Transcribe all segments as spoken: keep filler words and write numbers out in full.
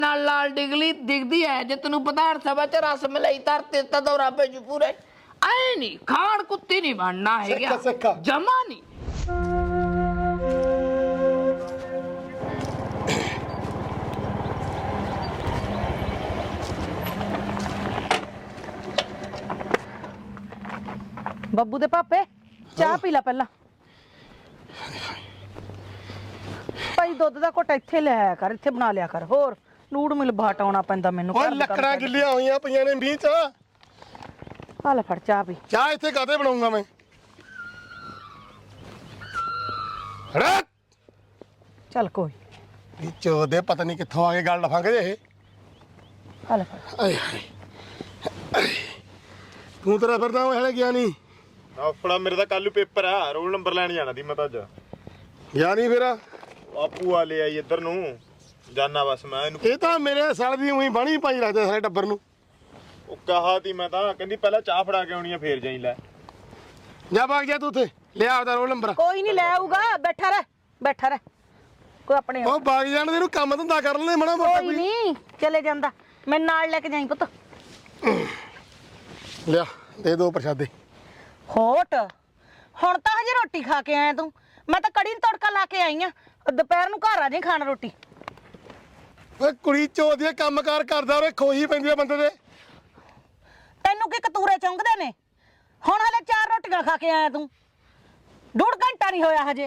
ਨਾਲ ਲਾਲ ਡਿਗਲੀ ਦਿਖਦੀ ਹੈ ਜੇ ਤੈਨੂੰ ਵਿਧਾਨ ਸਭਾ ਚ ਰਸ ਮਲਾਈ ਧਰਤੇ ਤਾਂ ਦੌਰਾ ਪੈ ਜੂ ਪੂਰੇ ਐ ਨਹੀਂ ਖਾਣ ਕੁੱਤੀ ਨਹੀਂ ਬਣਨਾ ਹੈਗਾ ਜਮਾ ਨਹੀਂ। ਬੱਬੂ ਦੇ ਪਾਪੇ ਚਾਹ ਪੀ ਲੈ ਪਹਿਲਾਂ। ਭਾਈ ਦੁੱਧ ਦਾ ਘੁੱਟ ਇੱਥੇ ਲੈ ਆਇਆ ਕਰ, ਇੱਥੇ ਬਣਾ ਲਿਆ ਕਰ। ਹੋਰ ਨੂੜ ਮਿਲ ਬਾਟ ਆਉਣਾ ਪੈਂਦਾ ਮੈਨੂੰ। ਓਏ ਲੱਕੜਾਂ ਗਿੱਲੀਆਂ ਹੋਈਆਂ ਪਈਆਂ ਨੇ ਮੀਂਹ ਚ। ਆ ਲੈ ਫੜ ਚਾਹ ਪੀ। ਚਾਹ ਇੱਥੇ ਕਾਹਦੇ ਬਣਾਉਂਗਾ ਮੈਂ? ਹੜਾ ਚੱਲ ਕੋਈ ਇਹ ਚੋਦੇ ਪਤਾ ਨਹੀਂ ਕਿੱਥੋਂ ਆ ਕੇ ਗੱਲ ਲਫਾਂਗੇ ਇਹ। ਆ ਲੈ ਫੜ। ਆਏ ਹਾਏ ਤੂੰ ਤੇਰਾ ਫਿਰਦਾ ਉਹ ਹਲੇ ਗਿਆ ਨਹੀਂ? ਆਪਣਾ ਮੇਰੇ ਤਾਂ ਕੱਲ ਨੂੰ ਪੇਪਰ ਆ, ਰੋਲ ਨੰਬਰ ਲੈਣ ਜਾਣਾ ਸੀ ਮੈਂ ਤਾਂ ਅੱਜ। ਗਿਆ ਨਹੀਂ ਫਿਰ? ਆਪੂ ਆ ਲੈ ਆਈ ਇੱਧਰ ਨੂੰ ਜਾਨਾ ਬਸ ਮੈਂ ਇਹਨੂੰ। ਇਹ ਤਾਂ ਮੇਰੇ ਸਾਲ ਦੀ ਉਹੀ ਬਾਣੀ ਪਾਈ ਰੱਖਦੇ ਸਾਰੇ ਟੱਬਰ ਨੂੰ। ਉਹ ਕਹਾ ਤੀ ਮੈਂ ਤਾਂ, ਕਹਿੰਦੀ ਪਹਿਲਾਂ ਚਾਹ ਫੜਾ ਕੇ ਆਉਣੀ ਆ ਫੇਰ ਜਾਈ ਲੈ। ਜਾ ਭਾਗ ਜਾ ਤੂੰ ਉੱਥੇ ਲਿਆ ਆਪਦਾ ਰੋਲ ਨੰਬਰ। ਕੋਈ ਨਹੀਂ ਲੈ ਆਊਗਾ, ਬੈਠਾ ਰਹਿ ਬੈਠਾ ਰਹਿ। ਕੋਈ ਆਪਣੇ ਉਹ ਭਾਗ ਜਾਣ ਦੇ, ਇਹਨੂੰ ਕੰਮ ਧੰਦਾ ਕਰ ਲੈ ਮਣਾ ਮੋਟਾ ਕੋਈ ਨਹੀਂ ਚਲੇ ਜਾਂਦਾ। ਮੈਂ ਨਾਲ ਲੈ ਕੇ ਜਾਈ ਪੁੱਤ। ਲਿਆ ਦੇ ਦੋ ਪ੍ਰਸ਼ਾਦੇ। ਹੋਟ ਹੁਣ ਤਾਂ ਹਜੇ ਰੋਟੀ ਖਾ ਕੇ ਆਇਆ ਤੂੰ। ਮੈਂ ਤਾਂ ਕੜੀ ਨੂੰ ਤੜਕਾ ਲਾ ਕੇ ਆਈ ਆ। ਦੁਪਹਿਰ ਨੂੰ ਘਰ ਆ ਜਾਈਂ ਖਾਣ ਰੋਟੀ। ਓਏ ਕੁੜੀ ਚੋਦ ਦੇ ਕੰਮਕਾਰ ਕਰਦਾ ਉਹਰੇ ਖੋਹੀ ਪੈਂਦੀ ਆ ਬੰਦੇ ਦੇ। ਤੈਨੂੰ ਕੀ ਕਤੂਰੇ ਚੁੰਗਦੇ ਨੇ? ਹੁਣ ਹਲੇ ਚਾਰ ਰੋਟੀਆਂ ਖਾ ਕੇ ਆਇਆ ਤੂੰ। ਡੂਢ ਘੰਟਾ ਨਹੀਂ ਹੋਇਆ ਹਜੇ।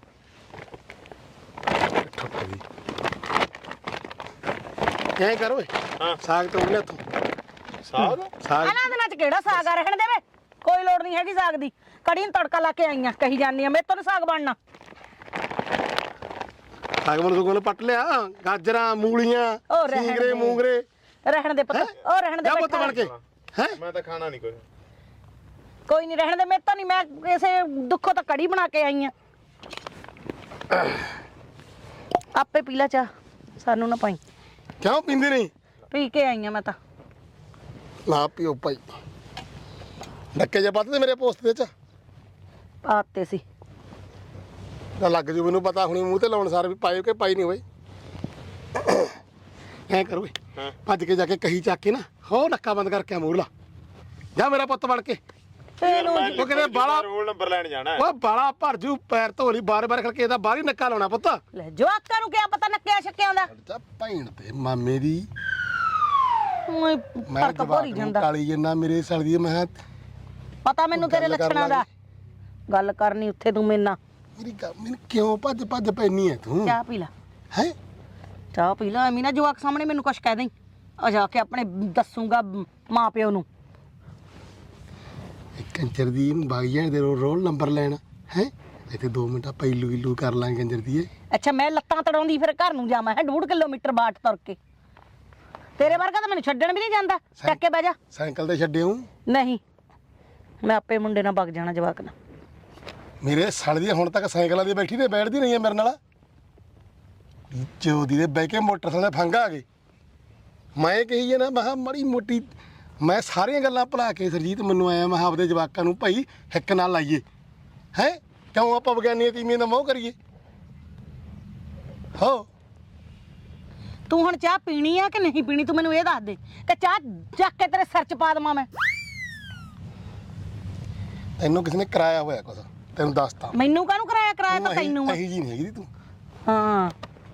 ਐਂ ਕਰ ਓਏ। ਹਾਂ ਸਾਗ ਤੋਂ ਲੈ ਤੂੰ। ਸਾਗ ਸਾਗ ਇਹਨਾਂ ਦਿਨਾਂ ਚ ਕਿਹੜਾ ਸਾਗ ਆ? ਰਹਿਣ ਦੇਵੇ, ਕੋਈ ਲੋੜ ਨਹੀਂ ਹੈਗੀ ਸਾਗ ਦੀ। ਕੜੀ ਨੂੰ ਤੜਕਾ ਲਾ ਕੇ ਆਈਆਂ ਕਹੀ ਜਾਂਦੀ ਆ ਮੇਰੇ ਤੋਂ ਨੀ ਸਾਗ ਬਣਨਾ। ਸਾਗ ਮਨ ਕੋਲ ਪੱਟ ਲਿਆ। ਗਾਜਰਾਂ ਮੂਲੀਆਂ ਉਹ ਰਹਿਣ ਸਿੰਗਰੇ ਦੇ। ਮੂੰਗਰੇ। ਰਹਿਣ ਦੇ ਪੁੱਤ, ਉਹ ਰਹਿਣ ਦੇ। ਜਾ ਪੁੱਤ ਬਣ ਕੇ ਹੈ। ਮੈਂ ਤਾਂ ਖਾਣਾ ਨਹੀਂ ਕੋਈ। ਕੋਈ ਨਹੀਂ ਰਹਿਣ ਦੇ, ਮੇਰੇ ਤੋਂ ਨਹੀਂ। ਮੈਂ ਇਸੇ ਦੁੱਖੋਂ ਤਾਂ ਕੜੀ ਬਣਾ ਕੇ ਆਈ ਆ। ਆਪੇ ਪੀ ਲੈ ਚਾਹ, ਸਾਨੂੰ ਨਾ ਪਾਈ। ਕਿਉਂ ਪੀਂਦੀ ਨਹੀਂ? ਪੀ ਕੇ ਆਈ ਆ ਮੈਂ ਤਾਂ। ਨਾ ਪੀਓ ਭਾਈ। ਡੱਕੇ ਜੇ ਪੱਤ ਤੇ ਮੇਰੇ ਪੋਸਟ ਦੇ ਚ ਪਾਤੇ ਸੀ ਤਾਂ ਲੱਗ ਜੂ ਮੈਨੂੰ ਪਤਾ ਹੁਣੀ ਮੂੰਹ ਤੇ ਲਾਉਣ ਸਾਰ ਵੀ ਪਾਇਓ ਕਿ ਪਾਈ ਨਹੀਂ ਹੋਏ। ਐ ਕਰੋ ਹਾਂ। ਭੱਜ ਕੇ ਜਾ ਕੇ ਕਹੀ ਚੱਕ ਕੇ ਨਾ ਹੋ ਨੱਕਾ ਬੰਦ ਕਰਕੇ ਮੂਰਲਾ ਜਾ ਮੇਰਾ ਪੁੱਤ ਬਣ ਕੇ। ਤੈਨੂੰ ਉਹ ਕਹਿੰਦੇ ਬਾਲਾ ਰੋਲ ਨੰਬਰ ਲੈਣ ਜਾਣਾ। ਉਹ ਬਾਲਾ ਭਰ ਜੂ ਪੈਰ ਧੋਲੀ ਬਾਰ ਬਾਰ ਖੜਕੇ ਇਹਦਾ ਬਾਹਰ ਹੀ ਨੱਕਾ ਲਾਉਣਾ ਪੁੱਤ। ਲੈ ਜਵਾਕਾਂ ਨੂੰ ਕਿਆ ਪਤਾ ਨੱਕਿਆ ਛੱਕਿਆਂ ਦਾ। ਜਾ ਭੈਣ ਤੇ ਮਾਮੇ ਦੀ ਓਏ ਮੈਂ ਫਰਕ ਭੋਰੀ ਜਵਾਕ ਨੂੰ ਜਾਂਦਾ। ਕਾਲੀ ਜੰਨਾ ਮੇਰੇ ਸਾਲ ਦੀ ਮੈਂ ਪਤਾ ਮੈਨੂੰ ਤੇਰੇ ਗੱਲ ਕਰ ਲੱਛਣਾਂ ਦਾ। ਗੱਲ ਕਰਨੀ ਉੱਥੇ ਤੂੰ ਮੇਰੇ ਨਾਲ। ਮੇਰੀ ਗੱਲ ਮੈਨੂੰ ਕਿਉਂ ਭੱਜ ਭੱਜ ਪੈਣੀ ਹੈ ਤੂੰ? ਚਾਹ ਪੀ ਲੈ। ਹੈ ਚਾਹ ਪੀ ਲੈ। ਐਵੇਂ ਨਾ ਜਵਾਕ ਸਾਹਮਣੇ ਮੈਨੂੰ ਕੁਛ ਕਹਿ ਦੇਂ। ਆ ਜਾ ਕੇ ਆਪਣੇ ਦੱਸੂਗਾ ਮਾਂ ਪਿਓ ਨੂੰ। ਕੰਜਰ ਦੀ ਬਾਗੀਆਂ ਦੇ ਰੋਲ ਨੰਬਰ ਲੈਣਾ ਹੈ। ਇੱਥੇ ਦੋ ਮਿੰਟ ਆਪਾਂ ਇਲੂ ਇਲੂ ਕਰ ਲਾਂਗੇ ਕੰਜਰ ਦੀ। ਅੱਛਾ ਮੈਂ ਲੱਤਾਂ ਤੜਾਉਂਦੀ ਫਿਰ ਘਰ ਨੂੰ ਜਾਵਾਂ ਹੈ ਡੂਢ ਕਿਲੋਮੀਟਰ ਬਾਟ ਤੁਰ ਕੇ। ਤੇਰੇ ਵਰਗਾ ਤਾਂ ਮੈਨੂੰ ਛੱਡਣ ਵੀ ਨਹੀਂ ਜਾਂਦਾ। ਚੱਕ ਕੇ ਬਹਿ ਜਾ। ਸਾਈਕਲ ਤੇ ਛੱਡਿਓ ਨਹੀਂ ਮੈਂ ਆਪੇ ਮੁੰਡੇ ਨਾਲ ਵਗ ਜਾਣਾ ਜਵਾਕ ਨਾਲ। ਮੇਰੇ ਸਾਲ ਦੀ ਹੁਣ ਤੱਕ ਸਾਈਕਲਾਂ ਦੀ ਬੈਠੀ ਤੇ ਬੈਠਦੀ ਨਹੀਂ ਹੈ ਮੇਰੇ ਨਾਲ। ਚੋਦੀ ਦੇ ਬਹਿ ਕੇ ਮੋਟਰਸਾਈਕਲ ਦੇ ਫੰਗ ਆ ਗਏ। ਮੈਂ ਕਹੀ ਹੈ ਨਾ ਮੈਂ ਕਿਹਾ ਮਾੜੀ ਮੋਟੀ ਮੈਂ ਸਾਰੀਆਂ ਗੱਲਾਂ ਭੁਲਾ ਕੇ ਸਰਜੀਤ ਮੈਨੂੰ ਆਇਆ ਮੈਂ ਆਪਦੇ ਜਵਾਕਾਂ ਨੂੰ ਭਾਈ ਹਿੱਕ ਨਾਲ ਲਾਈਏ ਹੈ। ਕਿਉਂ ਆਪਾਂ ਵਿਗਿਆਨੀਆਂ ਤੀਵੀਆਂ ਦਾ ਮੋਹ ਕਰੀਏ ਹੋ। ਤੂੰ ਹੁਣ ਚਾਹ ਪੀਣੀ ਆ ਕਿ ਨਹੀਂ ਪੀਣੀ ਤੂੰ ਮੈਨੂੰ ਇਹ ਦੱਸ ਦੇ ਕਿ ਚਾਹ ਚੱਕ ਕੇ ਤੇਰੇ ਸਿਰ 'ਚ ਪਾ ਦੇਵਾਂ ਮੈਂ। ਤੈਨੂੰ ਕਿਸੇ ਨੇ ਕਰਾਇਆ ਹੋਇਆ ਕੁਛ ਤੈਨੂੰ ਦੱਸਤਾ। ਮੈਨੂੰ ਕਾਹਨੂੰ ਕਰਾਇਆ? ਕਰਾਇਆ ਤਾਂ ਤੈਨੂੰ ਆ। ਇਹੀ ਜੀ ਨਹੀਂ ਹੈਗੀ ਤੂੰ। ਹਾਂ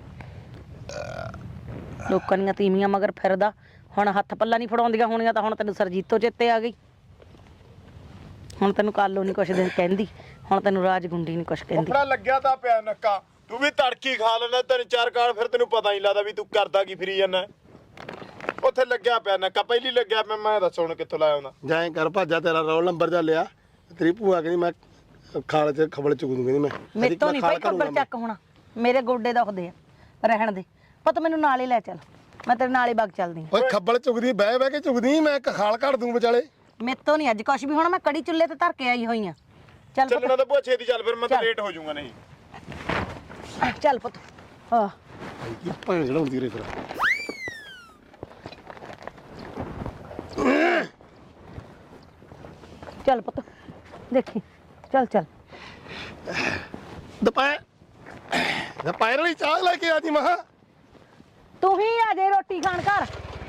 ਲੋਕਾਂ ਦੀਆਂ ਤੀਵੀਆਂ ਮਗਰ ਫਿਰਦਾ। ਹੁਣ ਹੱਥ ਪੱਲਾ ਨਹੀਂ ਫੜਾਉਂਦੀਆਂ ਹੋਣੀਆਂ ਤਾਂ ਹੁਣ ਤੈਨੂੰ ਸਰਜੀਤੋ ਚੇਤੇ ਆ ਗਈ। ਹੁਣ ਤੈਨੂੰ ਕਾਲੋ ਨਹੀਂ ਕੁਛ ਦੇ ਕਹਿੰਦੀ। ਹੁਣ ਤੈਨੂੰ ਰਾਜਗੁੰਡੀ ਨਹੀਂ ਕੁਛ ਕਹਿੰਦੀ। ਆਪਣਾ ਲੱਗਿਆ ਤਾਂ ਪਿਆ ਨੱਕਾ। ਤੂੰ ਵੀ ਤੜਕੀ ਖਾ ਲੈਣਾ ਤਿੰਨ ਚਾਰ ਕਾਲ ਫਿਰ ਤੈਨੂੰ ਪਤਾ ਨਹੀਂ ਲੱਗਦਾ ਵੀ ਤੂੰ ਕਰਦਾ ਕੀ ਫਿਰੀ ਜਾਂਦਾ। ਉੱਥੇ ਲੱਗਿਆ ਪਿਆ ਨੱਕਾ ਪਹਿਲੀ ਲੱਗਿਆ ਪਿਆ। ਮੈਂ ਦੱਸ ਹੁਣ ਕਿੱਥੋਂ ਲਾਇਆ ਹੁੰਦਾ। ਜਾਏ ਕਰ ਭਾਜਾ ਤੇਰਾ ਰੋਲ ਨੰਬਰ ਜਾ ਲਿਆ। ਤੇਰੀ ਭੂਆ ਕਹਿੰਦੀ ਮੈਂ ਖਾਲ ਚ ਖਬਲ ਚੁਗ ਦੂੰਗੀ ਮੈਂ। ਮੇਰੇ ਤੋਂ ਨਹੀਂ ਭਾਈ ਖੱਬਲ ਚੱਕ ਹੋਣਾ। ਮੇਰੇ ਗੋਡੇ ਦੁਖਦੇ ਆ। ਰਹਿਣ ਦੇ ਪੁੱਤ ਮੈਨੂੰ ਨਾਲ ਹੀ ਲੈ ਚੱਲ। ਮੈਂ ਤੇਰੇ ਨਾਲ ਹੀ ਵਗ ਚੱਲਦੀ। ਓਏ ਖੱਬਲ ਚੁਗਦੀ ਬਹਿ ਬਹਿ ਕੇ ਚੁਗਦੀ ਮੈਂ ਇੱਕ ਖਾਲ ਕੱਢ ਦੂੰ ਵਿਚਾਲੇ। ਮੇਰੇ ਤੋਂ ਨਹੀਂ ਅੱਜ ਕੁਛ ਵੀ ਹੋਣਾ। ਮੈਂ ਕੜੀ ਚੁੱਲ੍ਹੇ ਤੇ ਧਰ ਕੇ ਆਈ ਹੋਈ ਆ। ਚੱਲ ਚੱਲਣਾ ਤਾਂ ਬਹੁਤ ਛੇਤੀ ਚੱਲ ਫਿਰ ਮੈਂ ਤਾਂ ਲੇਟ ਹੋ ਜਾਊਂਗਾ ਨਹੀਂ। ਪੁੱਤ ਚੱਲ ਪੁੱਤ। ਹਾਂ ਕੀ ਭੈਣ ਚੜਾਉਂਦੀ ਰੇ ਫਿਰ। ਚੱਲ ਪੁੱਤ ਦੇਖੀ। ਚੱਲ ਚੱਲ ਦੁਪਹਿਰ ਦੁਪਹਿਰ ਵਾਲੀ ਚਾਹ ਲੈ ਕੇ ਆ ਜੀ ਮਹਾ। ਤੂੰ ਹੀ ਆ ਜੇ ਰੋਟੀ ਖਾਣ ਘਰ।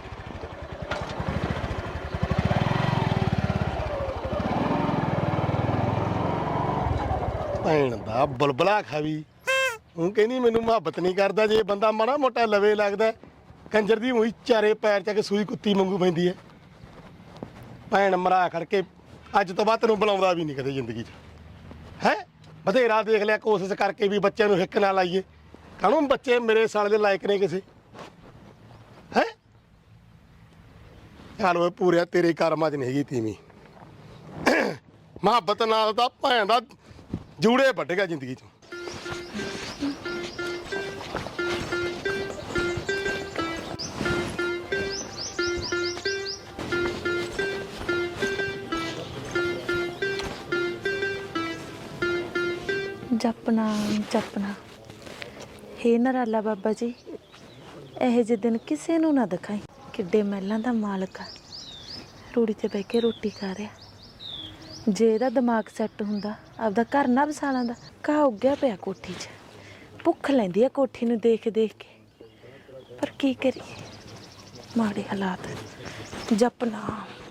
ਭੈਣ ਦਾ ਬੁਲਬੁਲਾ ਖਾਵੀ ਉਹ ਕਹਿੰਦੀ ਮੈਨੂੰ ਮੁਹੱਬਤ ਨਹੀਂ ਕਰਦਾ। ਜੇ ਬੰਦਾ ਮਾੜਾ ਮੋਟਾ ਲਵੇ ਲੱਗਦਾ ਕੰਜਰ ਦੀ ਉਹੀ ਚਾਰੇ ਪੈਰ ਚੱਕ ਸੂਈ ਕੁੱਤੀ ਵਾਂਗੂ ਪੈਂਦੀ ਹੈ। ਭੈਣ ਮਰਾ ਖੜ ਕੇ ਅੱਜ ਤੋਂ ਬਾਅਦ ਤੈਨੂੰ ਬੁਲਾਉਂਦਾ ਵੀ ਨਹੀਂ ਕਦੇ ਜ਼ਿੰਦਗੀ 'ਚ ਹੈ। ਬਥੇਰਾ ਦੇਖ ਲਿਆ ਕੋਸ਼ਿਸ਼ ਕਰਕੇ ਵੀ ਬੱਚਿਆਂ ਨੂੰ ਹਿੱਕ ਨਾ ਲਾਈਏ। ਕਾਹਨੂੰ ਬੱਚੇ ਮੇਰੇ ਸਾਲ ਦੇ ਲਾਇਕ ਨੇ ਕਿਸੇ ਹੈ। ਚੱਲ ਓਏ ਪੂਰਿਆ ਤੇਰੇ ਕਰਮਾਂ 'ਚ ਨਹੀਂ ਹੈਗੀ ਤੀਵੀਂ। ਮੁਹੱਬਤ ਨਾਲ ਤਾਂ ਭੈਣ ਦਾ ਜੂੜੇ ਵੱਢੇਗਾ ਜ਼ਿੰਦਗੀ 'ਚ। ਜਪਨਾ ਜਪਨਾ ਹੇ ਨਰਾਲਾ ਬਾਬਾ ਜੀ, ਇਹੋ ਜਿਹੇ ਦਿਨ ਕਿਸੇ ਨੂੰ ਨਾ ਦਿਖਾਈ। ਕਿੱਡੇ ਮਹਿਲਾਂ ਦਾ ਮਾਲਕ ਆ, ਰੂੜੀ ਤੇ ਬਹਿ ਕੇ ਰੋਟੀ ਖਾ ਰਿਹਾ। ਜੇ ਇਹਦਾ ਦਿਮਾਗ ਸੈੱਟ ਹੁੰਦਾ ਆਪਦਾ ਘਰ ਨਾ ਵਸਾ ਲੈਂਦਾ। ਘਾਹ ਉੱਗਿਆ ਪਿਆ ਕੋਠੀ 'ਚ, ਭੁੱਖ ਲੈਂਦੀ ਆ ਕੋਠੀ ਨੂੰ ਦੇਖ ਦੇਖ ਕੇ। ਪਰ ਕੀ ਕਰੀਏ, ਮਾੜੇ ਹਾਲਾਤ। ਜਪਨਾ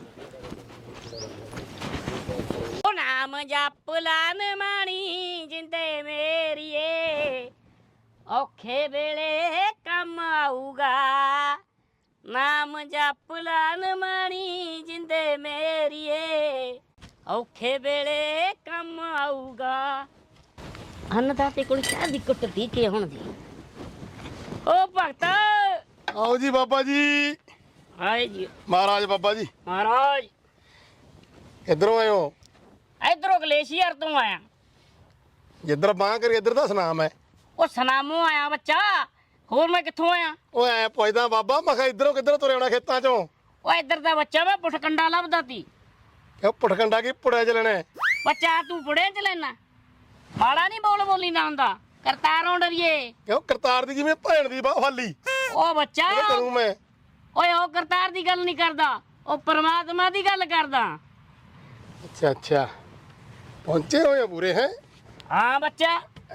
ਨਾਮ ਜਪ ਲਾਨ ਮਾਣੀ ਜਿੰਦੇ ਮੇਰੀਏ, ਔਖੇ ਵੇਲੇ ਕੰਮ ਆਊਗਾ। ਨਾਮ ਜਪ ਲਾਨ ਮਾਣੀ ਜਿੰਦੇ ਮੇਰੀਏ, ਔਖੇ ਵੇਲੇ ਕੰਮ ਆਊਗਾ। ਅੰਨਦਾਤੇ ਕੋਲ ਚਾਹ ਦੀ ਕੁੱਟ ਦੀ ਕੇ ਹੁਣ ਦੀ। ਓ ਭਗਤ ਆਓ ਜੀ ਬਾਬਾ ਜੀ। ਹਾਏ ਜੀ ਮਹਾਰਾਜ ਬਾਬਾ ਜੀ। ਮਹਾਰਾਜ ਇੱਧਰੋਂ ਆਇਓ। ਇਧਰੋਂ ਗਲੇਸ਼ੀਅਰ ਤੋਂ ਆਇਆ। ਜਿੱਧਰ ਬਾਂਹ ਕਰੀ ਇੱਧਰ ਦਾ ਸੁਨਾਮ ਹੈ। ਉਹ ਸਨਾਮੋਂ ਆਇਆ ਬੱਚਾ, ਹੋਰ ਮੈਂ ਕਿੱਥੋਂ ਆਇਆ? ਉਹ ਐ ਪੁੱਛਦਾ ਬਾਬਾ, ਮੈਂ ਕਿਹਾ ਇੱਧਰੋਂ ਕਿੱਧਰੋਂ ਤੁਰੇ ਆਉਣਾ ਖੇਤਾਂ ਚੋਂ। ਉਹ ਇੱਧਰ ਦਾ ਬੱਚਾ ਮੈਂ ਪੁੱਠਕੰਡਾ ਲੱਭਦਾ ਤੀ। ਕਿਉਂ ਪੁੱਠਕੰਡਾ ਕੀ ਪੁੜਿਆ ਚੱਲਣਾ? ਬੱਚਾ ਤੂੰ ਪੁੜਿਆ ਚ ਲੈਣਾ, ਮਾੜਾ ਨਹੀਂ ਬੋਲ ਬੋਲੀ ਨਾ ਹੁੰਦਾ। ਕਰਤਾਰੋਂ ਡਰੀਏ। ਕਿਉਂ ਕਰਤਾਰ ਦੀ ਜਿਵੇਂ ਭੈਣ ਦੀ ਬਾਹ ਹਾਲੀ ਉਹ ਬੱਚਾ ਕਰੂੰ ਮੈਂ। ਓਏ ਉਹ ਕਰਤਾਰ ਦੀ ਗੱਲ ਨਹੀਂ ਕਰਦਾ, ਉਹ ਪਰਮਾਤਮਾ ਦੀ ਗੱਲ ਕਰਦਾ। ਅੱਛਾ ਅੱਛਾ, ਪਹੁੰਚੇ ਹੋਏ ਆ ਪੂਰੇ ਹੈ। ਹਾਂ ਬੱਚਾ,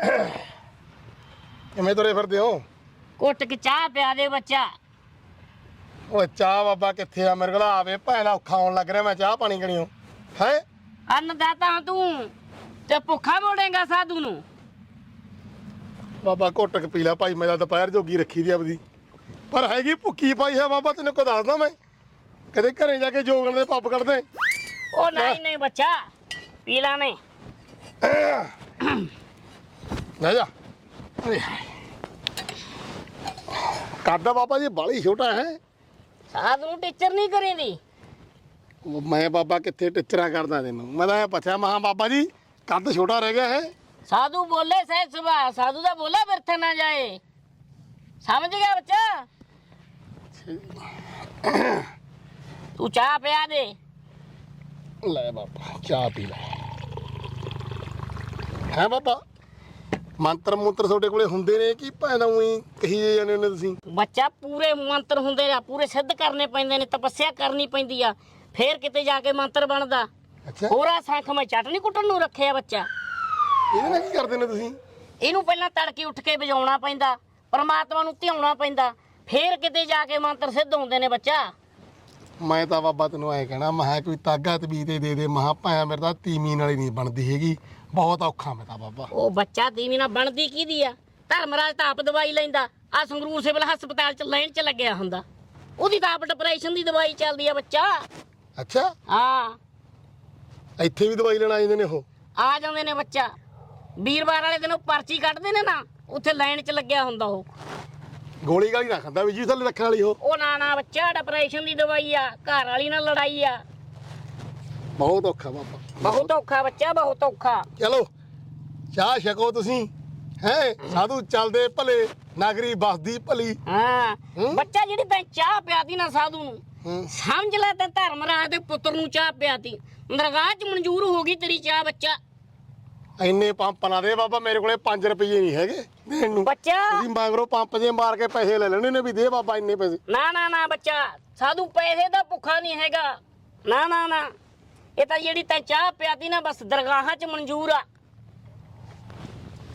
ਕਿਵੇਂ ਤੁਰੇ ਫਿਰਦੇ ਹੋ? ਕੁੱਟ ਕੇ ਚਾਹ ਪਿਆ ਦੇ ਬੱਚਾ। ਓਏ ਚਾਹ ਬਾਬਾ ਕਿੱਥੇ ਆ? ਮੇਰੇ ਕੋਲ ਆਵੇ ਭੈਣ ਔਖਾ ਆਉਣ ਲੱਗ ਰਿਹਾ, ਮੈਂ ਚਾਹ ਪਾਣੀ ਕਣੀਓ ਹੈ। ਅੰਨਦਾਤਾ ਤੂੰ ਤੇ ਭੁੱਖਾ ਮੋੜੇਗਾ ਸਾਧੂ ਨੂੰ। ਬਾਬਾ ਘੁੱਟ ਕੇ ਪੀ ਲੈ ਭਾਈ, ਮੈਂ ਤਾਂ ਦੁਪਹਿਰ ਜੋਗੀ ਰੱਖੀ ਦੀ ਆਪਦੀ, ਪਰ ਹੈਗੀ ਭੁੱਖੀ ਪਾਈ ਹੈ ਬਾਬਾ। ਤੈਨੂੰ ਕੋ ਦੱਸਦਾ ਮੈਂ, ਕਦੇ ਘਰੇ ਜਾ ਕੇ ਜੋਗਣ ਦੇ ਪੱਪ ਕੱਢਦੇ। ਉਹ ਨਹੀਂ ਨਹੀਂ ਬੱਚਾ, ਪੀ ਲਾ ਨਹੀਂ। ਲੈ ਜਾ। ਕਰਦਾ ਬਾਬਾ ਜੀ ਬਾਲੀ ਛੋਟਾ ਹੈ। ਸਾਧੂ ਨੂੰ ਟੀਚਰ ਨਹੀਂ ਕਰੀਦੀ। ਮੈਂ ਬਾਬਾ ਕਿੱਥੇ ਟਿਚਰਾ ਕਰਦਾ ਤੈਨੂੰ? ਮੈਂ ਤਾਂ ਇਹ ਪੁੱਛਿਆ ਮਹਾ ਬਾਬਾ ਜੀ ਕੱਦ ਛੋਟਾ ਰਹਿ ਗਿਆ ਹੈ। ਸਾਧੂ ਬੋਲੇ ਸਹਿਜ ਸੁਭਾ, ਸਾਧੂ ਦਾ ਬੋਲਾ ਵਿਰਥ ਨਾ ਜਾਏ। ਸਮਝ ਗਿਆ ਬੱਚਾ? ਤੂੰ ਚਾਹ ਪਿਆ ਦੇ। ਲੈ ਬਾਬਾ ਚਾਹ ਪੀ ਲੈ। ਹੈ ਬਾਬਾ ਮੰਤਰ ਮੂਤਰ ਤੁਹਾਡੇ ਕੋਲੇ ਹੁੰਦੇ ਨੇ ਕਿ ਭਾਵੇਂ ਉਹੀ ਕਹੀ ਜਾਂਦੇ ਨੇ ਤੁਸੀਂ? ਬੱਚਾ ਪੂਰੇ ਮੰਤਰ ਹੁੰਦੇ ਆ, ਪੂਰੇ ਸਿੱਧ ਕਰਨੇ ਪੈਂਦੇ ਨੇ, ਤਪੱਸਿਆ ਕਰਨੀ ਪੈਂਦੀ ਆ, ਫੇਰ ਕਿਤੇ ਜਾ ਕੇ ਮੰਤਰ ਬਣਦਾ। ਅੱਛਾ, ਹੋਰਾ ਸੰਖ ਮੈਂ ਚਟਨੀ ਕੁੱਟਣ ਨੂੰ ਰੱਖਿਆ ਬੱਚਾ। ਇਹਦੇ ਨਾਲ ਕੀ ਕਰਦੇ ਨੇ ਤੁਸੀਂ? ਇਹਨੂੰ ਪਹਿਲਾਂ ਤੜਕੇ ਉੱਠ ਕੇ ਵਜਾਉਣਾ ਪੈਂਦਾ, ਪਰਮਾਤਮਾ ਨੂੰ ਧਿਆਉਣਾ ਪੈਂਦਾ, ਫੇਰ ਕਿਤੇ ਜਾ ਕੇ ਮੰਤਰ ਸਿੱਧ ਹੁੰਦੇ ਨੇ ਬੱਚਾ। ਮੈਂ ਤਾਂ ਬਾਬਾ ਤੈਨੂੰ ਐ ਕਹਿਣਾ, ਮਹਾ ਕੋਈ ਤਾਗਾ ਤਬੀਤੇ ਦੇ ਦੇ। ਮਹਾ ਭਾਇਆ ਮੇਰੇ ਤਾਂ ਤੀਮੀ ਨਾਲ ਹੀ ਨਹੀਂ ਬਣਦੀ ਹੈਗੀ, ਬਹੁਤ ਔਖਾ ਮੈਂ ਤਾਂ ਬਾਬਾ। ਉਹ ਬੱਚਾ ਤੀਵੀਂ ਨਾਲ ਬਣਦੀ ਕਿਹਦੀ ਆ? ਧਰਮਰਾਜ ਤਾਂ ਆਪ ਦਵਾਈ ਲੈਂਦਾ, ਆ ਸੰਗਰੂਰ ਸਿਵਲ ਹਸਪਤਾਲ ਚ ਲਾਈਨ ਚ ਲੱਗਿਆ ਹੁੰਦਾ, ਉਹਦੀ ਤਾਂ ਆਪ ਡਿਪਰੈਸ਼ਨ ਦੀ ਦਵਾਈ ਚੱਲਦੀ ਆ ਬੱਚਾ। ਅੱਛਾ, ਹਾਂ ਇੱਥੇ ਵੀ ਦਵਾਈ ਲੈਣ ਆ ਜਾਂਦੇ ਨੇ ਉਹ? ਆ ਜਾਂਦੇ ਨੇ ਬੱਚਾ, ਵੀਰਵਾਰ ਵਾਲੇ ਦਿਨ ਉਹ ਪਰਚੀ ਕੱਢਦੇ ਨੇ ਨਾ, ਉੱਥੇ ਲਾਈਨ ਚ ਲੱਗਿਆ ਹੁੰਦਾ ਉਹ। ਗੋਲੀ ਗਾਲੀ ਨਾ ਖਾਂਦਾ ਵੀ ਜੀ ਥੱਲੇ ਰੱਖਣ ਵਾਲੀ ਉਹ? ਉਹ ਨਾ ਨਾ ਬੱਚਾ, ਡਿਪਰੈਸ਼ਨ ਦੀ ਦਵਾਈ ਆ, ਘਰ ਵਾਲੀ ਨਾਲ ਲੜਾਈ ਆ। ਬਹੁਤ ਔਖਾ ਬਾਬਾ, ਬਹੁਤ ਔਖਾ ਬੱਚਾ, ਬਹੁਤ ਔਖਾ। ਚਲੋ ਚਾਹ ਛਕੋ ਤੁਸੀਂ ਹੈ। ਸਾਧੂ ਚੱਲਦੇ ਭਲੇ, ਨਾਗਰੀ ਬਸਦੀ ਭਲੀ। ਹਾਂ ਹੂੰ? ਬੱਚਾ ਜਿਹੜੀ ਤੈਂ ਚਾਹ ਪਿਆਤੀ ਨਾ ਸਾਧੂ ਨੂੰ, ਹੂੰ। ਸਮਝ ਲੈ ਤੇ ਧਰਮਰਾਜ ਦੇ ਪੁੱਤਰ ਨੂੰ ਚਾਹ ਪਿਆਤੀ, ਦਰਗਾਹ ਚ ਮਨਜ਼ੂਰ ਹੋ ਗਈ ਤੇਰੀ ਚਾਹ ਬੱਚਾ। ਇੰਨੇ ਪੰਪ ਨਾ ਦੇ ਬਾਬਾ, ਮੇਰੇ ਕੋਲੇ ਪੰਜ ਰੁਪਏ ਨਹੀਂ ਹੈਗੇ ਦੇਣ ਨੂੰ। ਬੱਚਾ ਤੁਸੀਂ ਮੰਗਰੋ ਪੰਪ ਜੇ ਮਾਰ ਕੇ ਪੈਸੇ ਲੈ ਲੈਣੇ ਨੇ ਵੀ ਦੇ ਬਾਬਾ ਇੰਨੇ ਪੈਸੇ। ਨਾ ਨਾ ਨਾ ਬੱਚਾ, ਸਾਧੂ ਪੈਸੇ ਦਾ ਭੁੱਖਾ ਨਹੀਂ ਹੈਗਾ। ਨਾ ਨਾ ਨਾ, ਇਹ ਤਾਂ ਜਿਹੜੀ ਤੈਂ ਚਾਹ ਪਿਆਤੀ ਨਾ ਬਸ ਦਰਗਾਹਾਂ ਚ ਮਨਜ਼ੂਰ ਆ।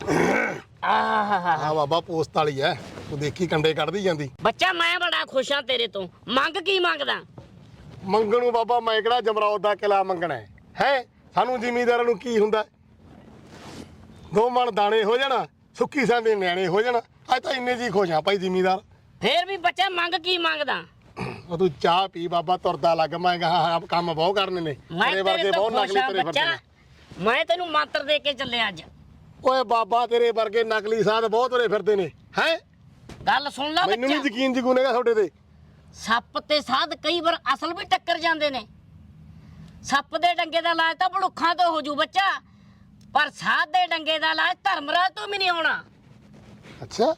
ਆਹਾ ਆ ਬਾਬਾ ਪੋਸਟ ਵਾਲੀ ਐ, ਤੂੰ ਦੇਖੀ ਕੰਡੇ ਕੱਢਦੀ ਜਾਂਦੀ। ਬੱਚਾ ਮੈਂ ਬੜਾ ਖੁਸ਼ ਹਾਂ ਤੇਰੇ ਤੋਂ। ਮੰਗ ਕੀ ਮੰਗਦਾ? ਮੰਗਣ ਨੂੰ ਬਾਬਾ ਮੈਂ ਕਿਹੜਾ ਜਮਰੌਦ ਦਾ ਕਿਲਾ ਮੰਗਣਾ ਹੈ ਹੈ ਸਾਨੂੰ ਜ਼ਿਮੀਂਦਾਰਾਂ ਨੂੰ ਕੀ ਹੁੰਦਾ? ਦੋ ਮਣ ਦਾਣੇ ਹੋ ਜਾਣਾ, ਸੁੱਕੀ ਸਾਂਦੇ ਨਿਆਣੇ ਹੋ ਜਾਣਾ। ਅੱਜ ਤਾਂ ਇੰਨੇ ਜੀ ਖੁਸ਼ ਆ ਭਾਈ ਜ਼ਿਮੀਂਦਾਰ। ਫੇਰ ਵੀ ਬੱਚਾ ਮੰਗ ਕੀ ਮੰਗਦਾ? ਉਹ ਤੂੰ ਚਾਹ ਪੀ ਬਾਬਾ, ਤੁਰਦਾ ਲੱਗ। ਮੈਂ ਕਹਾ ਕੰਮ ਬਹੁਤ ਕਰਨੇ ਨੇ, ਮੈਂ ਤੇਰੇ ਵਰਗੇ ਤੇਰੇ ਤੋਂ ਬਹੁਤ ਖੁਸ਼ ਨਕਲੀ ਹਾਂ ਤੇਰੇ ਫਿਰਦੇ ਬੱਚਾ। ਨੇ। ਮੈਂ ਤੈਨੂੰ ਮੰਤਰ ਦੇ ਕੇ ਚੱਲਿਆ ਅੱਜ। ਓਏ ਬਾਬਾ ਤੇਰੇ ਵਰਗੇ ਨਕਲੀ ਸਾਧ ਬਹੁਤ ਤੁਰੇ ਫਿਰਦੇ ਨੇ ਹੈ। ਗੱਲ ਸੁਣ ਲੈ ਮੈਨੂੰ ਨਹੀਂ ਬੱਚਾ, ਯਕੀਨ ਜਗੂਨੇਗਾ ਤੁਹਾਡੇ ਤੇ। ਸੱਪ ਤੇ ਸਾਧ ਕਈ ਵਾਰ ਅਸਲ ਵੀ ਟੱਕਰ ਜਾਂਦੇ ਨੇ। ਸੱਪ ਦੇ ਡੰਗੇ ਦਾ ਇਲਾਜ ਤਾਂ ਭੜੁੱਖਾਂ ਤੋਂ ਹੋ ਜੂ ਬੱਚਾ, ਪਰ ਸਾਧ ਦੇ ਡੰਗੇ ਦਾ ਇਲਾਜ ਧਰਮਰਾਜ ਤੋਂ ਵੀ ਨਹੀਂ ਹੋਣਾ। ਅੱਛਾ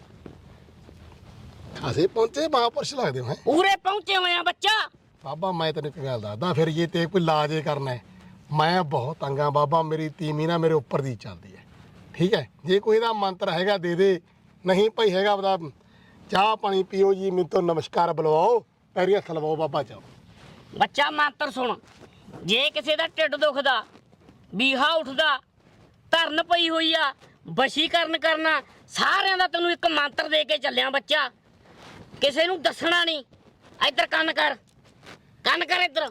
ਖਾਸੇ ਪਹੁੰਚੇ ਮਹਾਂਪੁਰਸ਼ ਲੱਗਦੇ ਹੋ ਹੈਂ। ਪੂਰੇ ਪਹੁੰਚੇ ਹੋਏ ਆ ਬੱਚਾ। ਬਾਬਾ ਮੈਂ ਤੈਨੂੰ ਇੱਕ ਗੱਲ ਦੱਸਦਾ, ਫਿਰ ਜੇ ਤੇ ਕੋਈ ਇਲਾਜ ਇਹ ਕਰਨਾ ਹੈ, ਮੈਂ ਬਹੁਤ ਤੰਗਾ ਬਾਬਾ। ਮੇਰੀ ਤੀਮੀ ਨਾ ਮੇਰੇ ਉੱਪਰ ਦੀ ਚੱਲਦੀ ਹੈ, ਠੀਕ ਹੈ। ਜੇ ਕੋਈ ਇਹਦਾ ਮੰਤਰ ਹੈਗਾ ਦੇ ਦੇ, ਨਹੀਂ ਭਾਈ ਹੈਗਾ ਆਪਦਾ ਚਾਹ ਪਾਣੀ ਪੀਓ ਜੀ, ਮੈਨੂੰ ਤੋਂ ਨਮਸਕਾਰ ਬੁਲਵਾਓ, ਪੈਰੀਂ ਹੱਥ ਲਵਾਓ ਬਾਬਾ ਚਾਓ। ਬੱਚਾ ਮੰਤਰ ਸੁਣ। ਜੇ ਕਿਸੇ ਦਾ ਢਿੱਡ ਦੁਖਦਾ, ਬੀਹਾ ਉੱਠਦਾ, ਧਰਨ ਪਈ ਹੋਈ ਆ, ਵਸ਼ੀਕਰਨ ਕਰਨਾ, ਸਾਰਿਆਂ ਦਾ ਤੈਨੂੰ ਇੱਕ ਮੰਤਰ ਦੇ ਕੇ ਚੱਲਿਆ ਬੱਚਾ। ਕਿਸੇ ਨੂੰ ਦੱਸਣਾ ਨਹੀਂ। ਇੱਧਰ ਕੰਨ ਕਰ, ਕੰਨ ਕਰ ਇੱਧਰ।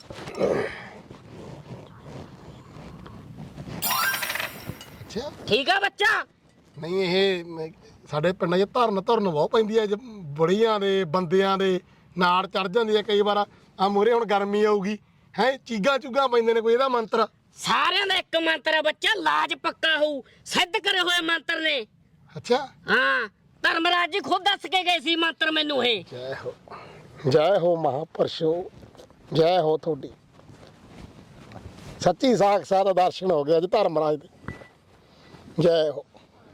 ਅੱਛਾ ਠੀਕ ਆ ਬੱਚਾ? ਨਹੀਂ ਇਹ ਮੈਂ- ਸਾਡੇ ਪਿੰਡਾਂ 'ਚ ਧਰਨ ਧਰਨ ਬਹੁਤ ਪੈਂਦੀ ਹੈ, ਬੁੜੀਆਂ ਦੇ ਬੰਦਿਆਂ ਦੇ ਨਾੜ ਚੜ ਜਾਂਦੀ ਹੈ ਕਈ ਵਾਰ। ਆ ਮੂਹਰੇ ਹੁਣ ਗਰਮੀ ਆਊਗੀ ਹੈ, ਚੀਗਾ ਚੁੱਗਾ ਪੈਂਦੇ ਨੇ, ਕੋਈ ਇਹਦਾ ਮੰਤਰ? ਸਾਰਿਆਂ ਦਾ ਇੱਕ ਮੰਤਰ ਹੈ ਬੱਚਾ, ਇਲਾਜ ਪੱਕਾ ਹੋਊ। ਸਿੱਧ ਕਰੇ ਹੋਏ ਮੰਤਰ ਨੇ। ਅੱਛਾ ਹਾਂ, ਧਰਮਰਾਜ ਜੀ ਖੁਦ ਦੱਸ ਕੇ ਗਏ ਸੀ ਮੰਤਰ ਮੈਨੂੰ ਇਹ। ਜੈ ਹੋ, ਜੈ ਹੋ ਮਹਾਂਪੁਰਸ਼ੋ, ਜੈ ਹੋ ਤੁਹਾਡੀ। ਸੱਚੀ ਸਾਖਸਾਤ ਦਰਸ਼ਨ ਹੋ ਗਿਆ ਅੱਜ ਧਰਮਰਾਜ ਦੇ। ਜੈ ਹੋ।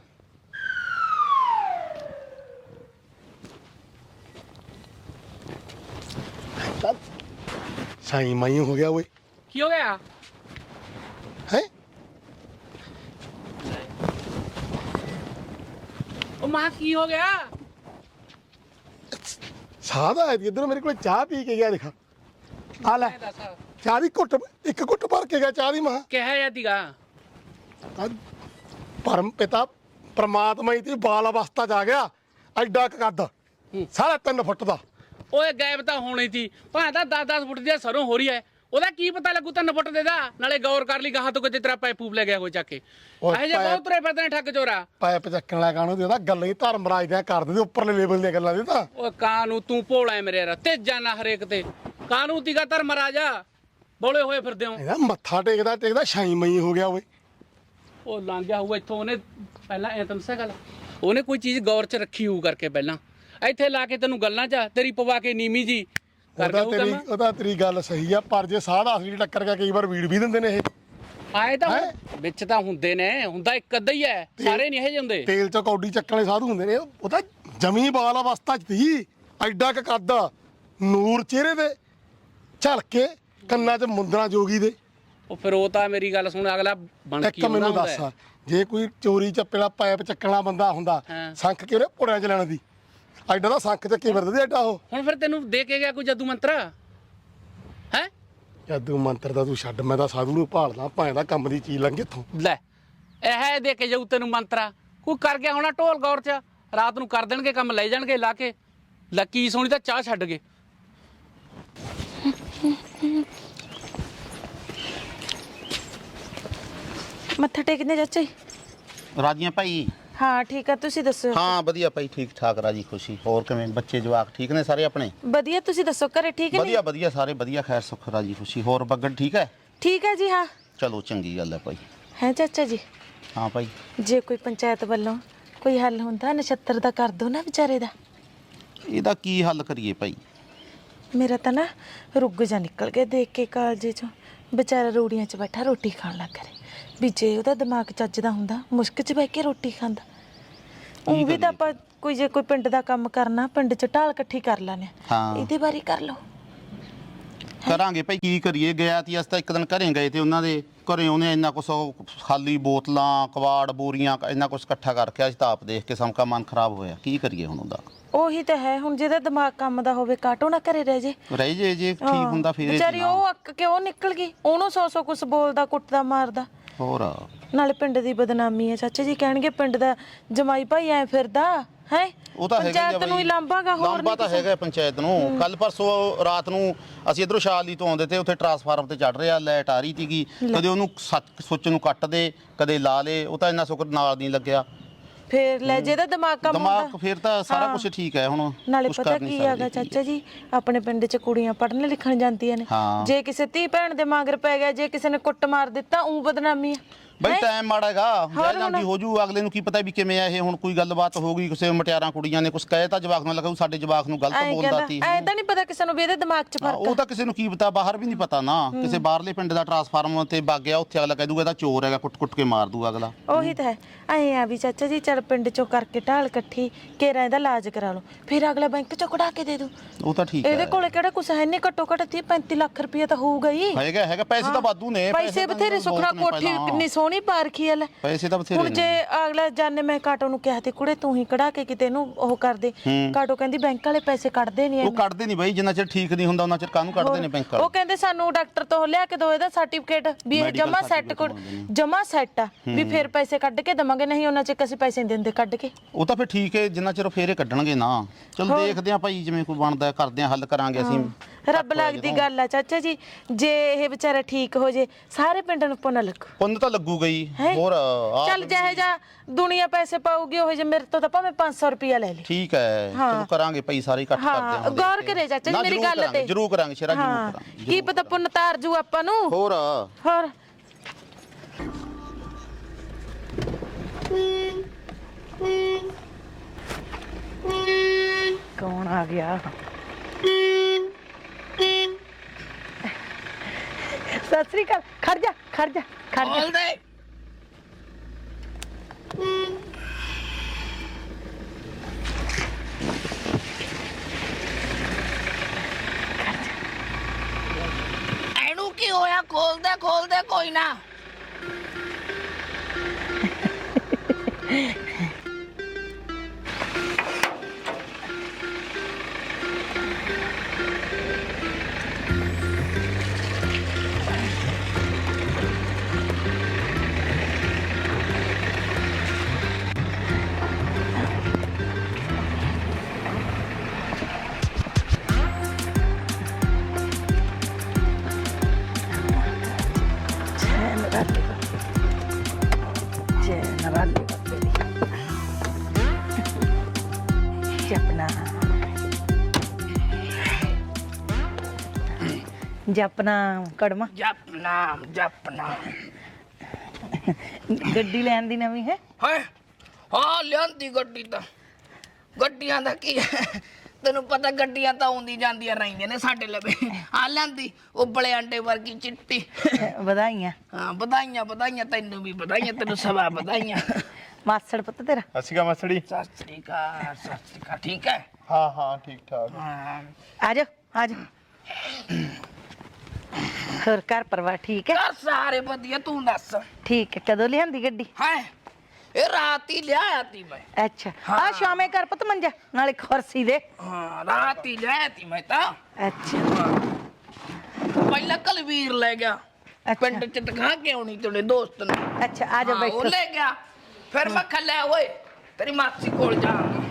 ਸਾਈ ਮਾਈ ਹੋ ਗਿਆ ਓਏ। ਕੀ ਹੋ ਗਿਆ? ਹੈ ਉਹ ਮਾਂ ਕੀ ਹੋ ਗਿਆ? ਸਾਦਾ ਹੈ ਇਧਰ ਮੇਰੇ ਕੋਲ ਚਾਹ ਪੀ ਕੇ ਗਿਆ, ਦੇਖਾ ਆ ਲੈ ਦੱਸ ਚਾਹ ਦੀ ਘੁੱਟ, ਇੱਕ ਘੁੱਟ ਭਰ ਕੇ ਗਿਆ ਚਾਹ ਦੀ। ਮਾਂ ਕਿਹਾ ਜਾਂਦੀਗਾ ਪਰਮ ਪਿਤਾ ਪ੍ਰਮਾਤਮਾ ਹੀ ਤੇ ਬਾਲ ਅਵਸਥਾ ਚ ਆ ਗਿਆ, ਐਡਾ ਕੁ ਕੱਦ, ਸਾਰਾ ਤਿੰਨ ਫੁੱਟ ਦਾ। ਓਏ ਗਾਇਬ ਤਾਂ ਹੋਣੀ ਸੀ, ਭਾਂ ਤਾਂ ਦਸ ਦਸ ਫੁੱਟ ਦੀ ਸਰੋਂ ਹੋ ਰਹੀ ਐ। ਉਹਦਾ ਕੀ ਪਤਾ ਲੱਗੂ ਤਿੰਨ ਫੁੱਟ ਦੇ ਦਾ? ਨਾਲੇ ਗੌਰ ਕਰ ਲਈ ਗਾਹਾਂ ਤੋਂ ਕਿਤੇ ਤੇਰਾ ਪਾਈਪ ਪੂਪ ਲੈ ਗਿਆ ਕੋਈ ਚੱਕ ਕੇ। ਓਏ ਇਹ ਜੇ ਬਹੁਤ ਤੁਰੇ ਫਿਰਦੇ ਨੇ ਠੱਗ ਚੋਰਾ। ਪਾਇਪ ਚੱਕਣ ਵਾਲਾ ਕਾਹਨੂੰ ਦੇ ਉਹਦਾ ਗੱਲਾਂ ਹੀ ਧਰਮਰਾਜ ਦੀਆਂ ਕਰ ਦਿੰਦੇ, ਉੱਪਰਲੇ ਲੈਵਲ ਦੀਆਂ ਗੱਲਾਂ ਦੇ ਤਾਂ। ਓਏ ਕਾਨੂੰ ਤੂੰ ਭੋਲਾ ਐ ਮੇਰੇ ਯਾਰ, ਤੇ ਜਾਨਾ ਹਰੇਕ ਤੇ ਕਾਨੂੰ ਤੀਗਾ ਧਰਮ ਰਾਜਾ ਬੋਲੇ ਹੋਏ ਫਿਰਦੇ ਹੋ। ਇਹਦਾ ਮੱਥਾ ਟੇਕਦਾ ਟੇਕਦਾ ਛਾਈ ਮਈ ਹੋ ਗਿਆ ਓਏ। ਉਹ ਲੰਘ ਗਿਆ ਹੋਊ ਇੱਥੋਂ, ਉਹਨੇ ਪਹਿਲਾਂ ਐ ਤੈਨੂੰ ਸਾ ਗੱਲ, ਉਹਨੇ ਕੋਈ ਚੀਜ਼ ਗੌਰ ਚ ਰੱਖੀ ਹੋਊ ਕਰਕੇ ਪਹਿਲਾਂ ਇੱਥੇ ਲਾ ਕੇ ਤੈਨੂੰ ਗੱਲਾਂ ਚ ਤੇਰੀ ਪਵਾ ਕੇ ਨੀਵੀਂ ਜੀ ਉਹਦਾ ਤੇਰੀ ਉਹਦਾ ਤੇਰੀ ਗੱਲ ਸਹੀ ਆ, ਪਰ ਜੇ ਸਾਹ ਦਾ ਅਸਲੀ ਟੱਕਰ ਗਿਆ ਕਈ ਵਾਰ ਵੀੜ ਵੀ ਦਿੰਦੇ ਨੇ ਇਹ। ਆਏ ਤਾਂ ਹੁਣ ਵਿੱਚ ਤਾਂ ਹੁੰਦੇ ਨੇ, ਹੁੰਦਾ ਇੱਕ ਅੱਧਾ ਹੀ ਐ, ਸਾਰੇ ਨਹੀਂ ਇਹ ਜਿਹੇ ਹੁੰਦੇ। ਤੇਲ ਚ ਕੌਡੀ ਚੱਕਣ ਵਾਲੇ ਸਾਧੂ ਹੁੰਦੇ ਨੇ, ਉਹ ਤਾਂ ਜਮੀ ਬਾਲ ਅਵਸਥਾ ਚ ਸੀ, ਐਡਾ ਕੁ ਕੱਦ, ਨੂਰ ਚਿਹਰੇ ਦੇ ਝਲਕੇ, ਕੰਨਾਂ 'ਚ ਮੁੰਦਰਾਂ ਜੋਗੀ ਦੇ। ਉਹ ਫਿਰ ਉਹ ਤਾਂ ਮੇਰੀ ਗੱਲ ਸੁਣ, ਅਗਲਾ ਬਣ ਇੱਕ ਕੀ ਹੁੰਦਾ ਮੈਨੂੰ ਦੱਸ, ਹੁੰਦਾ। ਜੇ ਕੋਈ ਚੋਰੀ ਚੱਪੇ ਵਾਲਾ ਪਾਈਪ ਚੱਕਣ ਵਾਲਾ ਬੰਦਾ ਹੁੰਦਾ, ਹਾਂ। ਸੰਖ ਕੇ ਉਹਨੇ ਪੁੜਿਆਂ 'ਚ ਲੈਣ ਦੀ, ਐਡਾ ਦਾ ਸੰਖ ਚੱਕੀ ਫਿਰਦੇ ਸੀ ਐਡਾ ਉਹ। ਹੁਣ ਫਿਰ ਤੈਨੂੰ ਦੇ ਕੇ ਗਿਆ ਕੋਈ ਜਾਦੂ ਮੰਤਰ ਹੈ? ਜਾਦੂ ਮੰਤਰ ਦਾ ਤੂੰ ਛੱਡ, ਮੈਂ ਤਾਂ ਸਾਧੂ ਨੂੰ ਭਾਲਦਾ, ਭਾਵੇਂ ਦਾ ਕੰਮ ਦੀ ਚੀਜ਼ ਲੰਘੇ ਇੱਥੋਂ। ਲੈ ਇਹ ਦੇ ਕੇ ਜਾਊ ਤੈਨੂੰ ਮੰਤਰਾ, ਕੋਈ ਕਰ ਗਿਆ ਹੋਣਾ ਢੋਲ ਗੌਰ ਚ, ਰਾਤ ਨੂੰ ਕਰ ਦੇਣਗੇ ਕੰਮ, ਲੈ ਜਾਣਗੇ ਲਾ ਕੇ। ਲੱਕੀ ਸੋਣੀ ਤਾਂ ਚਾਹ ਛੱਡ ਗਏ। ਮੱਥਾ ਟੇਕਦੇ ਚਾਚਾ ਜੀ? ਰਾਜੀਆਂ ਭਾਈ? ਹਾਂ ਠੀਕ ਆ, ਤੁਸੀਂ ਦੱਸੋ? ਹਾਂ ਵਧੀਆ ਭਾਈ, ਠੀਕ ਠਾਕ, ਰਾਜੀ ਖੁਸ਼ੀ। ਹੋਰ ਕਿਵੇਂ ਬੱਚੇ ਜਵਾਕ ਠੀਕ ਨੇ ਸਾਰੇ ਆਪਣੇ? ਵਧੀਆ, ਤੁਸੀਂ ਦੱਸੋ ਘਰੇ ਠੀਕ ਨੇ? ਵਧੀਆ ਵਧੀਆ ਸਾਰੇ ਵਧੀਆ, ਖੈਰ ਸੁੱਖ ਰਾਜੀ ਖੁਸ਼ੀ। ਹੋਰ ਬੱਗੜ ਠੀਕ ਹੈ? ਠੀਕ ਹੈ ਜੀ। ਹਾਂ ਚਲੋ ਚੰਗੀ ਗੱਲ ਹੈ ਭਾਈ। ਹੈ ਚਾਚਾ ਜੀ, ਹਾਂ ਭਾਈ। ਜੇ ਕੋਈ ਪੰਚਾਇਤ ਵੱਲੋਂ ਕੋਈ ਹੱਲ ਹੁੰਦਾ ਨਛੱਤਰ ਦਾ ਕਰ ਦੋ ਨਾ ਵਿਚਾਰੇ ਦਾ। ਇਹਦਾ ਕੀ ਹੱਲ ਕਰੀਏ ਭਾਈ? ਮੇਰਾ ਤਾਂ ਨਾ ਰੁੱਗ ਜਾ ਨਿਕਲ ਗਿਆ ਦੇਖ ਕੇ ਕਾਲਜੇ ਚੋਂ, ਵਿਚਾਰਾ ਰੂੜੀਆਂ 'ਚ ਬੈਠਾ ਰੋਟੀ ਖਾਣ ਲੱਗ ਰਿਹਾ। ਵੀ ਜੇ ਉਹਦਾ ਦਿਮਾਗ ਚੱਜਦਾ ਹੁੰਦਾ ਮੁਸ਼ਕ 'ਚ ਬਹਿ ਕੇ ਰੋਟੀ ਖਾਂਦਾ। ਉਹ ਵੀ ਤਾਂ ਆਪਾਂ ਕੋਈ ਜੇ ਕੋਈ ਪਿੰਡ ਦਾ ਕੰਮ ਕਰਨਾ, ਪਿੰਡ 'ਚ ਢਾਲ ਇਕੱਠੀ ਕਰ ਲੈਣੇ, ਹਾਂ ਇਹਦੇ ਬਾਰੇ ਕਰ ਲਓ। ਕਰਾਂਗੇ ਭਾਈ, ਕੀ ਕਰੀਏ। ਗਿਆ ਤੀ ਅਸੀਂ ਤਾਂ ਇੱਕ ਦਿਨ ਘਰੇ ਗਏ ਤੇ ਉਹਨਾਂ ਦੇ ਘਰੇ ਉਹਨੇ ਇੰਨਾ ਕੁਛ ਖਾਲੀ ਬੋਤਲਾਂ, ਕਵਾੜ, ਬੋਰੀਆਂ, ਇੰਨਾ ਕੁਛ ਇਕੱਠਾ ਕਰਕੇ ਅਸੀਂ ਤਾਂ ਆਪ ਦੇਖ ਕੇ ਸਮਕਾ ਮਨ ਖਰਾਬ ਹੋਇਆ। ਕੀ ਕਰੀਏ ਹੁਣ ਉਹਦਾ? ਉਹੀ ਤਾਂ ਹੈ, ਹੁਣ ਜਿਹਦਾ ਦਿਮਾਗ ਕੰਮ ਦਾ ਹੋਵੇ ਕਾਟੋ ਨਾ ਘਰੇ ਰਹਿ ਜੇ। ਰਹਿ ਜੇ ਜੇ ਠੀਕ ਹੁੰਦਾ ਫਿਰ। ਵਿਚਾਰੀ ਉਹ ਅੱਕ ਕੇ ਉਹ ਨਿਕਲ ਗਈ, ਉਹਨੂੰ ਸੌ ਸੌ ਕੁਛ ਬੋਲਦਾ, ਕੁੱਟਦਾ, ਮਾਰਦਾ। ਹੋਰ ਨਾਲੇ ਪਿੰਡ ਦੀ ਬਦਨਾਮੀ ਹੈ ਚਾਚਾ ਜੀ, ਕਹਿਣਗੇ ਪਿੰਡ ਦਾ ਜਮਾਈ ਭਾਈ ਐ ਫਿਰਦਾ ਹੈ। ਉਹ ਤਾਂ ਹੈਗਾ ਪੰਚਾਇਤ ਨੂੰ ਹੀ ਲਾਂਭਾਗਾ, ਹੋਰ ਲਾਂਭਾ ਤਾਂ ਹੈਗਾ ਪੰਚਾਇਤ ਨੂੰ। ਕੱਲ ਪਰਸੋਂ ਰਾਤ ਨੂੰ ਅਸੀਂ ਇਧਰੋਂ ਸ਼ਾਲੀ ਤੋਂ ਆਉਂਦੇ ਤੇ ਉੱਥੇ ਟਰਾਂਸਫਾਰਮਰ ਤੇ ਚੜ ਰਿਹਾ, ਲਾਈਟ ਆ ਰਹੀ ਸੀਗੀ, ਕਦੇ ਉਹਨੂੰ ਸੁੱਚ ਨੂੰ ਕੱਟ ਦੇ ਕਦੇ ਲਾ ਲੇ, ਉਹ ਤਾਂ ਇੰਨਾ ਸ਼ੁਕਰ ਨਾਲ ਨਹੀਂ ਲੱਗਿਆ। ਫੇਰ ਲੈ ਜਿਹਦਾ ਦਿਮਾਗ ਕੰਮ ਦਿਮਾਗ ਫਿਰ ਤਾਂ ਸਾਰਾ ਕੁਝ ਠੀਕ ਹੈ ਹੁਣ। ਨਾਲੇ ਪਤਾ ਕੀ ਹੈਗਾ ਚਾਚਾ ਜੀ, ਆਪਣੇ ਪਿੰਡ 'ਚ ਕੁੜੀਆਂ ਪੜ੍ਹਨ ਲਿਖਣ ਜਾਂਦੀਆਂ ਨੇ, ਜੇ ਕਿਸੇ ਧੀ ਭੈਣ ਦੇ ਮਗਰ ਪੈ ਗਿਆ, ਜੇ ਕਿਸੇ ਨੇ ਕੁੱਟ ਮਾਰ ਦਿੱਤਾ, ਉਹ ਬਦਨਾਮੀ ਆ ਬਈ। ਟਾਈਮ ਮਾੜਾ ਹੈਗਾ, ਵਿਆਹ ਜਾਂਦੀ ਹੋ ਜੂ, ਅਗਲੇ ਨੂੰ ਕੀ ਪਤਾ ਵੀ ਕਿਵੇਂ ਆ ਇਹ। ਹੁਣ ਕੋਈ ਗੱਲਬਾਤ ਹੋ ਗਈ, ਕਿਸੇ ਮਟਿਆਰਾਂ ਕੁੜੀਆਂ ਨੇ ਕੁਝ ਕਹੇ ਤਾਂ ਜਵਾਕ ਨੂੰ ਲੱਗਾ ਸਾਡੇ ਜਵਾਕ ਨੂੰ ਗਲਤ ਬੋਲਦਾ ਸੀ। ਐ ਤਾਂ ਨਹੀਂ ਪਤਾ ਕਿਸੇ ਨੂੰ ਵੀ ਇਹਦੇ ਦਿਮਾਗ 'ਚ ਫਰਕ ਉਹ ਤਾਂ ਕਿਸੇ ਨੂੰ ਕੀ ਪਤਾ, ਬਾਹਰ ਵੀ ਨਹੀਂ ਪਤਾ ਨਾ। ਕਿਸੇ ਬਾਹਰਲੇ ਪਿੰਡ ਦਾ ਟਰਾਂਸਫਾਰਮਰ ਤੇ ਵਗ ਗਿਆ, ਉੱਥੇ ਅਗਲਾ ਕਹਿ ਦੂਗਾ ਇਹਦਾ ਚੋਰ ਹੈਗਾ, ਕੁੱਟ-ਕੁੱਟ ਕੇ ਮਾਰ ਦੂਗਾ ਅਗਲਾ। ਉਹੀ ਤਾਂ ਹੈ। ਐ ਆ ਵੀ ਚਾਚਾ ਜੀ ਚੱਲ ਪਿੰਡ 'ਚੋਂ ਕਰਕੇ ਢਾਲ ਇਕੱਠੀ ਕੇਰਾ ਇਹਦਾ ਇਲਾਜ ਕਰਾ ਲਓ, ਫਿਰ ਅਗਲਾ ਬੈਂਕ 'ਚੋਂ ਕਢਾ ਕੇ ਦੇ ਦੂ। ਉਹ ਤਾਂ ਠੀਕ ਹੈ, ਇਹਦੇ ਕੋਲੇ ਕਿਹੜਾ ਕੁਛ ਹੈ ਨਹੀਂ, ਘੱਟੋ ਘੱਟ ਤੀਹ ਪੈਂਤੀ ਲੱਖ ਰੁਪਏ ਤਾਂ ਹੋਊਗਾ ਹੀ। ਹੈਗਾ ਹੈਗਾ ਪੈਸੇ ਤਾਂ ਵਾਧੂ ਨੇ, ਪੈਸੇ ਬਥੇਰੇ। ਸੁਖਣਾ ਕੋਠੀ ਕਿੰਨੀ ਸੋਹਣੀ ਪਾਰਖੀ ਐ ਲੈ, ਪੈਸੇ ਤਾਂ ਬਥੇਰੇ ਹੁਣ ਜੇ ਅਗਲਾ ਜਾਣੇ, ਮੈਂ ਕਾਟੋ ਨੂੰ ਕਿਹਾ ਤੇ ਕੁੜੇ ਤੂੰ ਹੀ ਕਢਾ ਕੇ ਕਿਤੇ ਨੂੰ ਉਹ ਕਰ ਦੇ। ਕਾਟੋ ਕਹਿੰਦੀ ਬੈਂਕ ਵਾਲੇ ਪੈਸੇ ਕੱਢਦੇ ਨਹੀਂ। ਉਹ ਕੱਢਦੇ ਨਹੀਂ ਬਾਈ, ਜਿੰਨਾ ਚਿਰ ਠੀਕ ਨਹੀਂ ਹੁੰਦਾ ਉਹਨਾਂ ਚਿਰ ਕਾਹਨੂੰ ਕੱਢਦੇ ਨੇ ਬੈਂਕ ਵਾਲੇ। ਉਹ ਕਹਿੰਦੇ ਸਾਨੂੰ ਡਾਕਟਰ ਤੋਂ ਲਿਆ ਕੇ ਦੋ ਇਹਦਾ ਸਰਟੀਫਿਕੇਟ ਵੀ ਇਹ ਜਮਾ ਸੈੱਟ ਜਮਾ ਸੈੱਟ ਆ, ਵੀ ਫਿਰ ਪੈਸੇ ਕੱਢ ਕੇ ਦਵਾਂਗੇ, ਨਹੀਂ ਉਹਨਾਂ ਚ ਅਸੀਂ ਪੈਸੇ ਨਹੀਂ ਦਿੰਦੇ ਕੱਢ ਕੇ। ਉਹ ਤਾਂ ਫਿਰ ਠੀਕ ਹੈ, ਜਿੰਨਾ ਚਿਰ ਫੇਰੇ ਕੱਢਣਗੇ ਨਾ। ਚਲ ਦੇਖਦੇ ਆ ਭਾਈ, ਜਿਵੇਂ ਕੋਈ ਬਣਦਾ ਕਰਦੇ ਆ, ਹੱਲ ਕਰਾਂਗੇ ਅਸੀਂ। ਰੱਬ ਲੱਗਦੀ ਗੱਲ ਆ ਚਾਚਾ ਜੀ, ਜੇ ਇਹ ਵਿਚਾਰਾ ਠੀਕ ਹੋ ਜੇ ਸਾਰੇ ਪਿੰਡ ਨੂੰ ਪੁੰਨ ਲੱਗੂ। ਪੁੰਨ ਤਾਂ ਲੱਗੂਗਾ ਹੀ। ਹੋਰ ਚੱਲ ਜਿਹੇ ਜਾ ਦੁਨੀਆ ਪੈਸੇ ਪਾਉਗੀ ਉਹ ਜੇ ਮੇਰੇ ਤੋਂ ਤਾਂ ਭਾਵੇਂ ਪੰਜ ਸੌ ਰੁਪਿਆ ਲੈ ਲੈ। ਠੀਕ ਹੈ, ਚਲੋ ਕਰਾਂਗੇ ਭਾਈ, ਸਾਰੇ ਇਕੱਠ ਕਰਦੇ ਹਾਂ ਗੌਰ ਕਰੇ ਚਾਚਾ ਜੀ ਮੇਰੀ ਗੱਲ ਤੇ। ਜਰੂਰ ਕਰਾਂਗੇ ਸ਼ੇਰਾ, ਜਰੂਰ ਕਰਾਂਗੇ। ਕੀ ਪਤਾ ਪੁੰਨ ਤਾਰ ਜੂ ਆਪਾਂ ਨੂੰ। ਹੋਰ ਹੋਰ ਕੌਣ ਆ ਗਿਆ? ਸਤਿ ਸ੍ਰੀ ਅਕਾਲ। ਖੜ ਜਾ ਖੜ ਜਾ ਖੜ ਜਾ। ਬੋਲ ਦੇ। ਇਹਨੂੰ ਕੀ ਹੋਇਆ? ਖੋਲ ਦੇ ਖੋਲ ਦੇ, ਕੋਈ ਨਾ। ਜਪਨਾ ਕੜਮਾ ਜਪਨਾ ਜਪਨਾ। ਗੱਡੀ ਲੈਣ ਦੀ ਨਵੀਂ ਹੈ ਹੈ ਹਾਂ, ਲਿਆਂਦੀ ਗੱਡੀ ਤਾਂ। ਗੱਡੀਆਂ ਦਾ ਕੀ ਹੈ, ਤੈਨੂੰ ਪਤਾ ਗੱਡੀਆਂ ਤਾਂ ਆਉਂਦੀ ਜਾਂਦੀਆਂ ਰਹਿੰਦੀਆਂ ਨੇ ਸਾਡੇ ਲਵੇ। ਆ ਲਿਆਂਦੀ ਉਬਲੇ ਆਂਡੇ ਵਰਗੀ ਚਿੱਟੀ। ਵਧਾਈਆਂ। ਹਾਂ ਵਧਾਈਆਂ ਵਧਾਈਆਂ, ਤੈਨੂੰ ਵੀ ਵਧਾਈਆਂ, ਤੈਨੂੰ ਸਵਾ ਵਧਾਈਆਂ। ਮਾਸੜ ਪੁੱਤ ਤੇਰਾ ਅਸੀਗਾ ਮਸੜੀ। ਸਤਿ ਸ੍ਰੀ ਅਕਾਲ। ਸਤਿ ਸ੍ਰੀ ਅਕਾਲ। ਠੀਕ ਹੈ? ਹਾਂ ਹਾਂ ਠੀਕ ਠਾਕ। ਹਾਂ ਆ ਜਾ ਆ ਜਾ। ਹੋਰ ਘਰ ਪਰਿਵਾਰ ਠੀਕ ਹੈ? ਘਰ ਸਾਰੇ ਵਧੀਆ, ਤੂੰ ਦੱਸ। ਠੀਕ ਹੈ। ਕਦੋਂ ਲਿਆਂਦੀ ਗੱਡੀ? ਹੈ ਇਹ ਰਾਤ ਹੀ ਲਿਆਇਆ ਤੀ ਮੈਂ। ਅੱਛਾ ਆ ਸ਼ਾਮੇ ਕਰ ਪੁੱਤ ਮੰਜਾ ਨਾਲੇ ਕੁਰਸੀ ਦੇ। ਹਾਂ ਰਾਤ ਹੀ ਲਿਆਇਆ ਤੀ ਮੈਂ ਤਾਂ। ਅੱਛਾ ਪਹਿਲਾਂ ਕਲਵੀਰ ਲੈ ਗਿਆ ਪਿੰਡ ਚ ਦਿਖਾ ਕੇ ਆਉਣੀ ਤੇਰੇ ਦੋਸਤ ਨੂੰ। ਅੱਛਾ ਆ ਜਾ ਹਾਂ, ਬੈਠੋ। ਉਹ ਲੈ ਗਿਆ, ਫਿਰ ਮੈਂ ਖੱਲਿਆ ਓਏ ਤੇਰੀ ਮਾਸੀ ਕੋਲ ਜਾਣਾ।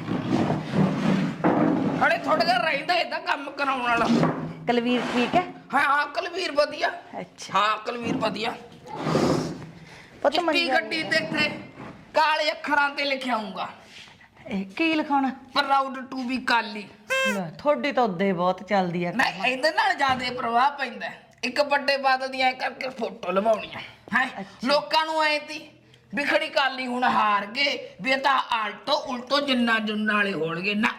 ਅੜੇ ਥੋੜਾ ਜਿਹਾ ਰਹਿੰਦਾ ਇਹਦਾ ਕੰਮ ਕਰਾਉਣ ਵਾਲਾ। ਕਲਵੀਰ ਠੀਕ ਹੈ? ਹਾਂ ਹਾਂ ਕਲਵੀਰ ਵਧੀਆ। ਅੱਛਾ ਹਾਂ ਕਲਵੀਰ ਵਧੀਆ। ਪੁੱਤ ਚਿੱਟੀ ਮੰਜਾ ਗੱਡੀ ਤੇ ਇੱਥੇ ਕਾਲੇ ਅੱਖਰਾਂ ਤੇ ਲਿਖਿਆ ਆਊਗਾ, ਇਹ ਕੀ ਲਿਖਾਉਣਾ? Proud to be Kali. ਤੁਹਾਡੀ ਤਾਂ ਉਦੇ ਬਹੁਤ ਚੱਲਦੀ ਆ। ਨਹੀਂ ਇਹਦੇ ਨਾਲ ਜ਼ਿਆਦਾ ਪ੍ਰਭਾਵ ਪੈਂਦਾ। ਇੱਕ ਵੱਡੇ ਬਾਦਲ ਦੀਆਂ ਕਰਕੇ ਫੋਟੋ ਲਵਾਉਣੀਆਂ ਹੈ, ਲੋਕਾਂ ਨੂੰ ਐ ਤੀ ਵੀ ਖੜੀ ਕਾਲੀ ਹੁਣ ਹਾਰ ਗਏ, ਵੀ ਇਹ ਤਾਂ ਆਲਟੋ ਉਲਟੋ ਜਿੰਨਾ ਜੁੰਨਾ ਵਾਲੇ ਹੋਣਗੇ ਨਾ।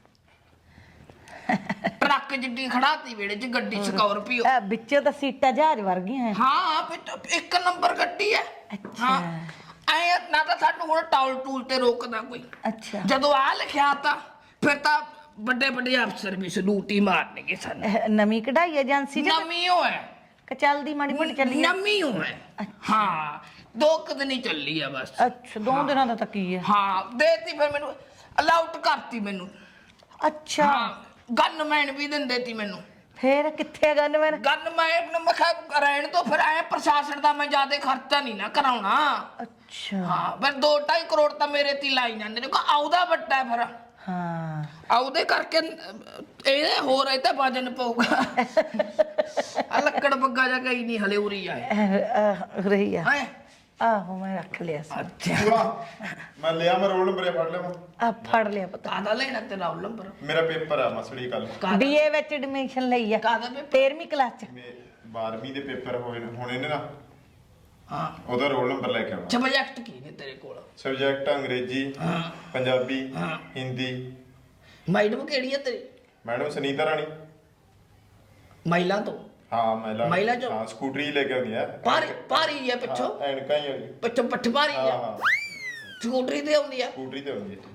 ਟਰੱਕ ਜਿੱਡੀ ਖੜਾਤੀ ਵੇੜੇ ਚ ਗੱਡੀ ਸਕਾਰਪੀਓ। ਆ ਵਿੱਚੋਂ ਤਾਂ ਸੀਟਾਂ ਜਹਾਜ਼ ਵਰਗੀਆਂ ਹੈ। ਹਾਂ ਫਿਰ ਇੱਕ ਨੰਬਰ ਗੱਡੀ ਹੈ। ਅੱਛਾ ਐ ਨਾ ਤਾਂ ਸਾਨੂੰ ਹੁਣ ਟੌਲ ਟੂਲ ਤੇ ਰੋਕਦਾ ਕੋਈ। ਅੱਛਾ ਜਦੋਂ ਆ ਲਿਖਿਆ ਤਾਂ ਫਿਰ ਤਾਂ ਵੱਡੇ ਵੱਡੇ ਅਫਸਰ ਵੀ ਸਲੂਟ ਹੀ ਮਾਰਨਗੇ ਸਾਨੂੰ। ਇਹ ਨਵੀਂ ਕਢਾਈ ਏਜੰਸੀ ਚ ਨਵੀਂ ਹੋ ਹੈ ਕਿ ਚੱਲਦੀ ਮਾੜੀ ਮੋਟੀ ਚੱਲੀ ਆ? ਨਵੀਂ ਹੋ ਹੈ। ਹਾਂ ਦੋ ਕੁ ਦਿਨ ਹੀ ਚੱਲੀ ਆ ਬਸ। ਅੱਛਾ ਦੋ ਦਿਨਾਂ ਦਾ ਤਾਂ ਕੀ ਹੈ? ਹਾਂ ਦੇਤੀ ਫਿਰ ਮੈਨੂੰ, ਅਲਾਉਟ ਕਰਤੀ ਮੈਨੂੰ। ਅੱਛਾ ਹਾਂ ਗਨਮੈਨ ਵੀ ਦਿੰਦੇ ਤੀ ਮੈਨੂੰ। ਫੇਰ ਕਿੱਥੇ ਗਨ ਮੈਂ ਗਨ ਮੈਂ ਮੈਂ ਕਿਹਾ ਰਹਿਣ ਤੋਂ ਫਿਰ ਐ ਪ੍ਰਸ਼ਾਸਨ ਦਾ ਮੈਂ ਜ਼ਿਆਦਾ ਖਰਚਾ ਨਹੀਂ ਨਾ ਕਰਾਉਣਾ। ਅੱਛਾ ਹਾਂ ਫਿਰ ਦੋ ਢਾਈ ਕਰੋੜ ਤਾਂ ਮੇਰੇ ਤੇ ਹੀ ਲਾਈ ਜਾਂਦੇ ਨੇ। ਕੋ ਆਉਦਾ ਵੱਡਾ ਹੈ ਫਿਰ ਹਾਂ ਆਉਦੇ ਕਰਕੇ ਇਹਦੇ ਹੋਰ ਇਹ ਤਾਂ ਵਜਨ ਪਊਗਾ। ਆ ਲੱਕੜ ਬੱਗਾ ਜਾ ਗਈ ਨਹੀਂ ਹਲੇ ਉਰੀ ਆਏ ਰਹੀ ਆ ਹੈ। ਆਹੋ ਮੈਂ ਰੱਖ ਲਿਆ ਸੀ ਅੱਛਾ ਮੈਂ ਲਿਆ ਮੈਂ ਰੋਲ ਨੰਬਰ ਫੜ ਲਿਆ ਆ ਫੜ ਲਿਆ ਪਤਾ ਕਾਹਦਾ ਲੈਣਾ ਤੇਰਾ ਰੋਲ ਨੰਬਰ? ਮੇਰਾ ਪੇਪਰ ਆ ਮਸੜੀ ਕੱਲ ਬੀਏ ਵਿੱਚ ਐਡਮਿਸ਼ਨ ਲਈ ਆ ਕਾਹਦਾ ਪੇਪਰ? ਤੇਰਵੀਂ ਕਲਾਸ ਚ ਬਾਰਵੀਂ ਦੇ ਪੇਪਰ ਹੋਏ ਨੇ ਹੁਣ ਇਹਨੇ ਨਾ ਹਾਂ ਉਹਦਾ ਰੋਲ ਨੰਬਰ ਲੈ ਕੇ ਆਉਣਾ। ਸਬਜੈਕਟ ਕੀ ਨੇ ਤੇਰੇ ਕੋਲ? ਸਬਜੈਕਟ ਅੰਗਰੇਜ਼ੀ ਪੰਜਾਬੀ ਹਿੰਦੀ। ਮੈਡਮ ਕਿਹੜੀ ਹੈ ਤੇਰੀ? ਮੈਡਮ ਸੁਨੀਤਾ ਰਾਣੀ। ਮਹਿਲਾ ਤੋਂ? ਹਾਂ ਮਹਿਲਾ ਮਹਿਲਾ ਚੋਂ? ਹਾਂ ਸਕੂਟਰੀ ਲੈ ਕੇ ਆਉਂਦੀ ਆ ਭਾਰੀ ਭਾਰੀ ਹੈ ਪਿੱਛੋਂ? ਐਨਕਾਂ ਹੀ ਆ ਪਿੱਛੋਂ ਪੱਠ ਭਾਰੀ ਹਾਂ ਹੈ ਹਾਂ ਸਕੂਟਰੀ ਤੇ ਆਉਂਦੀ ਆ? ਸਕੂਟਰੀ ਤੇ ਆਉਂਦੀ ਹੈ